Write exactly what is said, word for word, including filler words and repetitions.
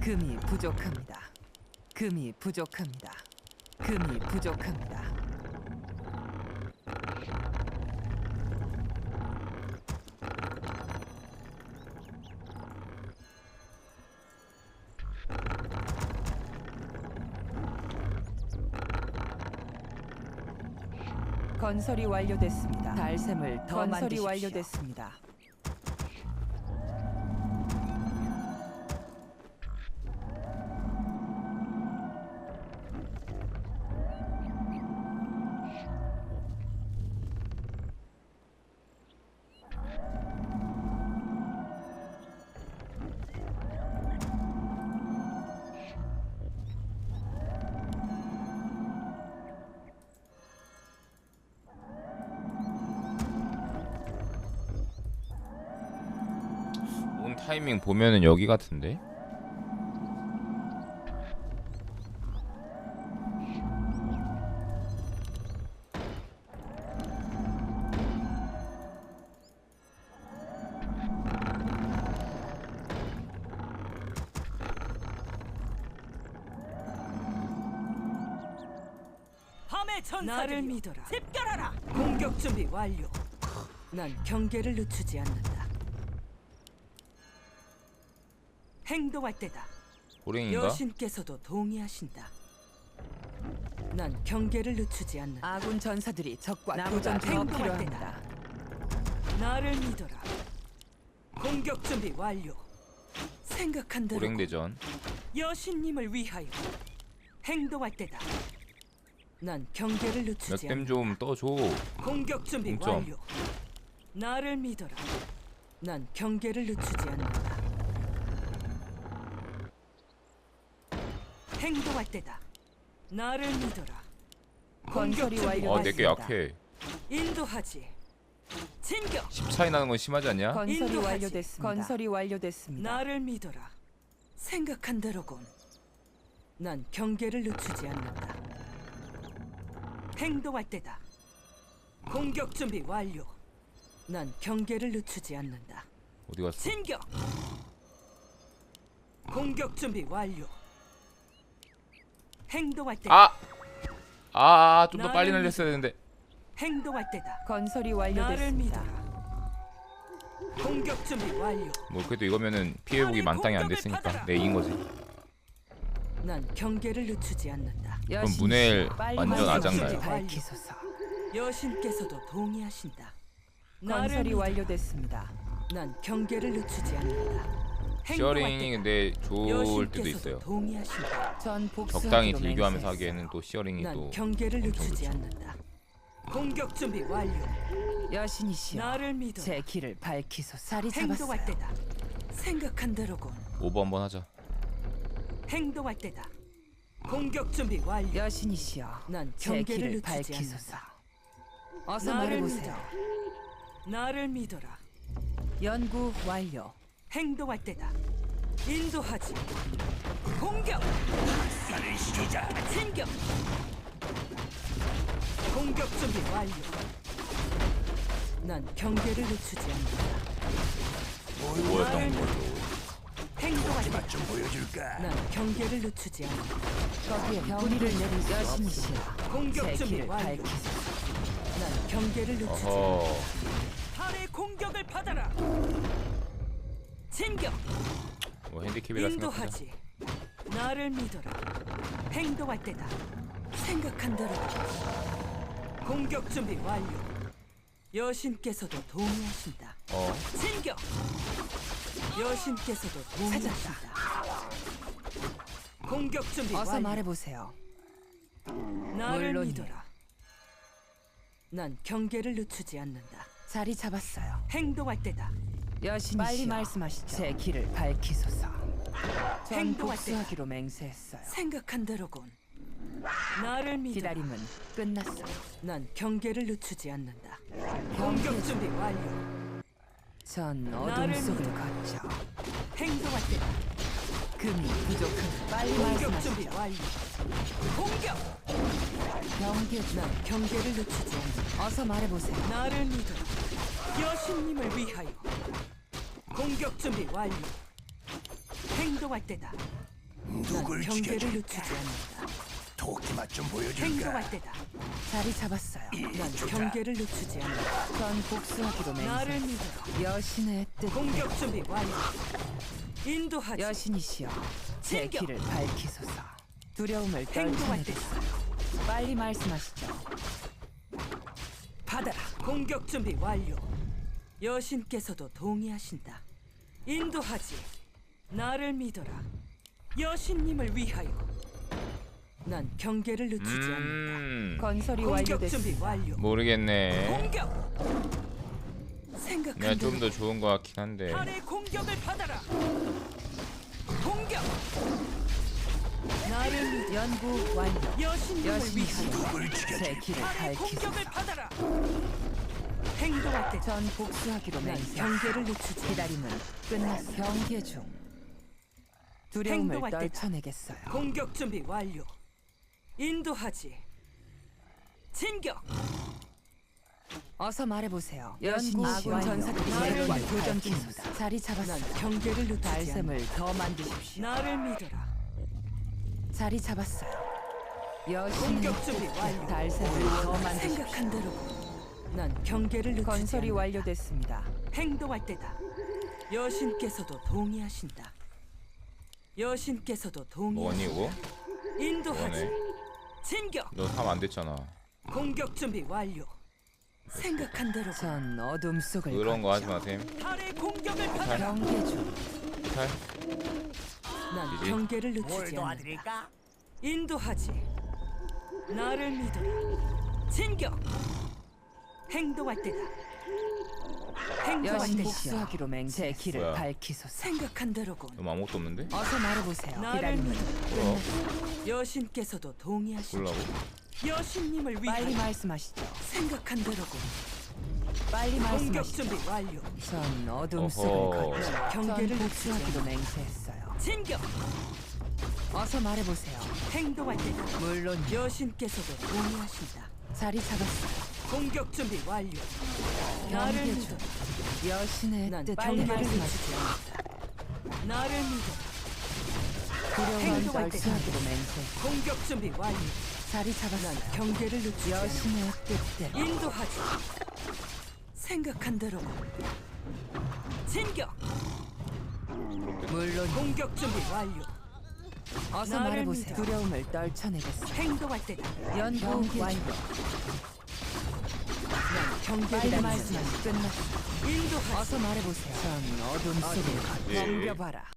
금이 부족합니다. 금이 부족합니다. 금이 부족합니다. 건설이 완료됐습니다. 달샘을 더 건설이 만드십시오. 완료됐습니다. 타이밍 보면은 여기 같은데? 밤의 전사를 믿어라. 집결하라. 공격 준비 완료. 난 경계를 늦추지 않는다. 행동할 때다. 호랭인가? 여신께서도 동의하신다. 난 경계를 늦추지 않는다. 아군 전사들이 적과 나보다 교전 더 행동할 필요합니다. 나를 믿어라. 공격 준비 완료. 생각한 대로 호랭대전. 여신님을 위하여 행동할 때다. 난 경계를 늦추지 몇 댐 않는다. 좀 떠줘. 공격 준비 동점. 완료. 나를 믿어라. 난 경계를 늦추지 않는다. 행동할 때다. 나를 믿어라. 건설이 공격 준비 아, 내게 완료됐습니다. 약해. 인도하지. 진격. 십 차이 나는 건 심하지 않냐? 건설이 인도하지. 완료됐습니다. 건설이 완료됐습니다. 나를 믿어라. 생각한 대로군. 난 경계를 늦추지 않는다. 행동할 때다. 공격 준비 완료. 난 경계를 늦추지 않는다. 어디 갔어? 진격. 공격 준비 완료. 행동할 때다. 아! 아, 좀 더 나를 빨리 믿- 날렸어야 되는데. 행동할 때다. 건설이 나를 완료됐습니다. 믿어라. 공격 준비 완료. 뭐 그래도 이거면은 피해보기 만땅이 안 됐으니까 내 이긴 거지. 난 경계를 늦추지 않는다. 그럼 문엘 빨리 완전 말씀하시지. 아작나요. 밝히소서. 여신께서도 동의하신다. 건설이 나를 믿어라. 완료됐습니다. 난 경계를 늦추지 않는다. 시어링이 근데 좋을 때도 여신께서도 있어요. 동의하신다. 전 적당히 복수하기로 딜교하면서 맹세했어요. 하기에는 또 시어링이 난 또 경계를 엄청 늦추지 좋죠. 않는다. 공격 준비 완료. 여신이시여, 나를 믿어. 제 길을 밝히소서. 자리 행동할 잡았어요. 때다. 생각한 대로군. 오버 한번 하자. 행동할 때다. 공격 준비 완료. 여신이시여, 난 제 경계를 길을 늦추지 밝히소서. 않는다. 어서 나를 말해보세요. 나를 믿어라. 연구 완료. 행동할 때다. 인도하지. 공격. 진격. 공격 준비 완료. 난 경계를 늦추지 않는다. 뭐였던 거죠? 행동할 때다. 난 경계를 늦추지 않는다. 거기에 병리를 내리소. 여신이시여, 공격 제 준비 길을 완료. 밝히소서. 난 경계를 늦추지 않는다. 어허. 달의 공격을 받아라. 진격. 뭐 핸디캡이라 생각하자. 인도하지. 나를 믿어라. 행동할 때다. 생각한 대로. 공격 준비 완료. 여신께서도 동의하신다. 어. 진격. 여신께서도 동의하신다. 공격 준비 어서 완료. 말해보세요. 나를 물론이에요. 믿어라. 난 경계를 늦추지 않는다. 자리 잡았어요. 행동할 때다. 여신이시여, 빨리 말씀하시죠. 제 길을 밝히소서. 전 행동할 복수하기로 맹세했어요. 생각한 대로군. 나를 믿어. 기다림은 끝났어요. 난 경계를 늦추지 않는다. 경계 공격 준비 완료. 전 어둠 나를 속을 믿어. 걷죠. 행동할 때다. 금이 부족한. 빨리 공격 준비 말씀하시죠. 완료. 공격. 경계 중. 난 경계를 늦추지 않는다. 어서 말해보세요. 나를 믿어라. 여신님을 위하여. 공격 준비 완료. 행동할 때다. 누굴 경계를 죽여줄까? 늦추지 않는다. 도끼 맛좀 보여줄까? 행동할 때다. 자리 잡았어요. 난 이쪽이다. 경계를 늦추지 않는다. 전 복수하기로 나를 맹세. 믿어라. 여신의 뜻. 공격 준비 완료. 인도하지. 여신이시여, 제 챙겨. 길을 밝히소서. 두려움을 행동할 떨쳐내겠어요. 빨리 말씀하시죠. 받아라. 공격 준비 완료. 여신께서도 동의하신다. 인도하지. 나를 믿어라. 여신님을 위하여. 난 경계를 늦추지 않는다. 음 건설이 공격 준비 완료됐습니다. 완료. 모르겠네. 공격. 내가 생각한 좀 대로 더 좋은 거 같긴 한데. 달의 공격을 받아라. 공격. 나를 믿어. 연구 완료. 여신님을 여신이시여, 위하여. 누굴 제 죽여줄까? 길을 달의 공격을 밝히소서. 받아라. 행동할 때 전 복수하기로 난 맹세. 경계를 늦추지 않는다. 기다림은 끝났어. 경계 중. 두려움을 행동할 때다. 떨쳐내겠어요. 공격 준비 완료. 인도하지. 진격. 어서 말해보세요. 연구 아군 완료. 전사들이 나를 새로운 믿어. 교전 중입니다. 자리 난 잡았어요. 경계를 늦추지 않는다. 달샘을 더 만드십시오. 나를 믿어라. 자리 잡았어요. 여신의 공격 준비 완료. 달샘을 더 만드십시오. 생각한 대로. 난 경계를 늦추지 건설이 않는다. 완료됐습니다. 행동할 때다. 여신께서도 동의하신다. 여신께서도 뭐니 동의하신다. 이거? 인도하지. 뭐네? 진격. 너 삼 안 됐잖아. 공격 준비 완료. 생각한 대로. 전 어둠 속을 그런 거 하지 걷죠. 마셈. 달의 공격을 받아라. 경계 중. 탈. 난 이제? 경계를 뭘 늦추지 않는다. 도와드릴까? 인도하지. 나를 믿어라. 진격. 행동할 때다. 행동할 여신 때다. 복수하기로 맹세. 제 길을 뭐야? 밝히소서. 생각한 대로군. 너 아무것도 없는데? 어서 말해보세요. 나를 기다림은 믿어. 뭐야? 여신께서도 동의하신다. 몰라고? 여신님을 빨리 위하여 말씀하시죠. 생각한 대로군. 빨리 공격 말씀하시죠. 준비 완료. 전 어둠 어허. 속을 걷죠. 전 경계를 복수하기로 맹세했어요. 진격. 어서 말해보세요. 행동할 때다. 물론 여신께서도 동의하신다. 자리 잡았어요. 공격 준비 완료. 나를 경계 믿어. 중. 여신의 난 뜻. 빨리 빨리 말씀하시지 말씀하시죠. 않는다. 나를 믿어. 두려움을 행동할 때. 떨치하기로 맹세. 공격 준비 완료. 자리 난 잡았어요. 경계를 늦추지 않는다. 여신의 뜻대로. 인도하지. 생각한 대로. 진격. 물론 공격 준비 완료. 어서 나를 말해보세요. 믿어. 두려움을 떨쳐내겠어요. 행동할 때다. 연구 완료. 난 경계를 빨리 늦추지 말씀하시 끝났어. 않는다. 인도하지. 어서 말해보세요. 전 어둠 속을 예. 덤벼봐라.